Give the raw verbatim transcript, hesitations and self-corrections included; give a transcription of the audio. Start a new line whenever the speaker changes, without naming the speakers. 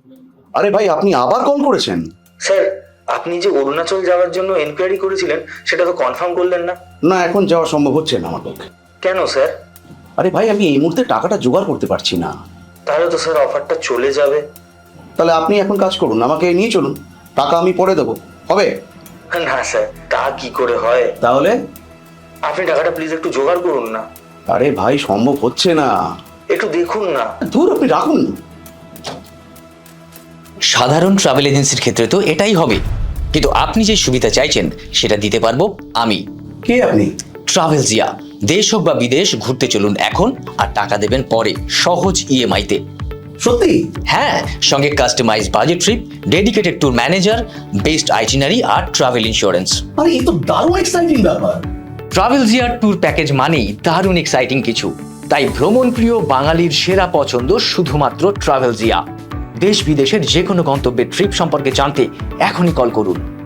আরে ভাই, আপনি আবার কল করেছেন?
স্যার, আপনি যে অরুণাচল যাওয়ার জন্য এনকোয়ারি করেছিলেন সেটা তো কনফার্ম করলেন না।
না, এখন যাওয়া সম্ভব হচ্ছে না আমার পক্ষে।
কেন স্যার?
আরে ভাই, আমি এই মুহূর্তে টাকাটা জোগাড় করতে পারছি না।
তাহলে তো স্যার অফারটা চলে যাবে।
তাহলে আপনি এখন কাজ করুন, আমাকে নিয়ে চলুন, টাকা আমি পরে দেবো, হবে?
না স্যার, তা কি করে হয়?
তাহলে?
আপনি টাকাটা প্লিজ একটু জোগাড় করুন না।
আরে ভাই, সম্ভব হচ্ছে না।
একটু দেখুন না।
ধুর, আপনি রাখুন।
সাধারণ ট্রাভেল এজেন্সির ক্ষেত্রে তো এটাই হবে, কিন্তু আপনি যে সুবিধা চাইছেন সেটা দিতে পারবো আমি।
কে আপনি?
ট্রাভেল জিয়া। দেশ হোক বা বিদেশ, ঘুরতে চলুন এখন, আর টাকা দেবেন পরে, সহজ ইএমআই তে।
সত্যি?
হ্যাঁ, সঙ্গে customise budget trip, dedicated tour manager, best itinerary আর ট্রাভেল ইন্স্যুরেন্স।
আরে, এই তো দারুণ এক্সাইটিং ব্যাপার।
ট্রাভেল জিয়ার ট্যুর প্যাকেজ মানেই দারুণ এক্সাইটিং কিছু, তাই ভ্রমণ প্রিয় বাঙালির সেরা পছন্দ শুধুমাত্র ট্রাভেল জিয়া। দেশ বিদেশের যে কোনো গন্তব্যের ট্রিপ সম্পর্কে জানতে এখনই কল করুন।